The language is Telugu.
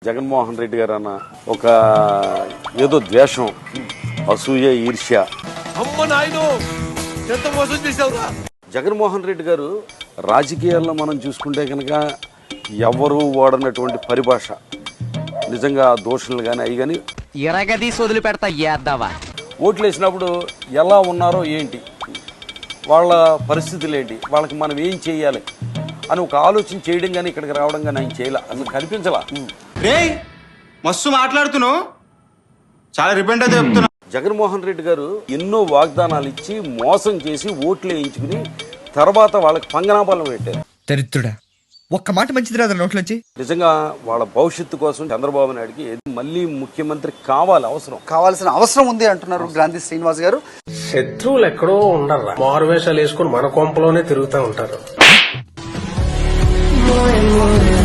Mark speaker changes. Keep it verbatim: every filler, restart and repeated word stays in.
Speaker 1: జగన్మోహన్ రెడ్డి గారు అన్న ఒక ఏదో ద్వేషం, అసూయ, ఈర్ష్య. జగన్మోహన్ రెడ్డి గారు రాజకీయాల్లో మనం చూసుకుంటే కనుక ఎవరు వాడనటువంటి పరిభాష, నిజంగా దోషులు కానీ అవి కానీ
Speaker 2: ఎరగదీసి వదిలి పెడతా ఏద్దావా.
Speaker 1: ఓట్లు వేసినప్పుడు ఎలా ఉన్నారో ఏంటి, వాళ్ళ పరిస్థితులు ఏంటి, వాళ్ళకి మనం ఏం చేయాలి అని ఒక ఆలోచన చేయడం కానీ ఇక్కడికి రావడం కానీ ఆయన చేయాల, అసలు కనిపించలా.
Speaker 3: రే మస్తు మాట్లాడుతున్నావు, చాలా రిపెంట్ అయితే చెప్తున్నా.
Speaker 1: జగన్మోహన్ రెడ్డి గారు ఎన్నో వాగ్దానాలు ఇచ్చి మోసం చేసి ఓట్లు వేయించుకుని తర్వాత వాళ్ళకి పంగనాపాలను పెట్టారు.
Speaker 4: దరిద్రుడా, ఒక్క మాట మంచిది రాదు నోట్లోంచి.
Speaker 1: నిజంగా వాళ్ళ భవిష్యత్తు కోసం చంద్రబాబు నాయుడుకి మళ్ళీ ముఖ్యమంత్రి కావాలి, అవసరం
Speaker 5: కావాల్సిన అవసరం ఉంది అంటున్నారు గ్రాంధి శ్రీనివాస్ గారు.
Speaker 6: శత్రువులు ఎక్కడో ఉండరు, మారువేషాలు వేసుకుని మన కొంపలోనే తిరుగుతూ ఉంటారు.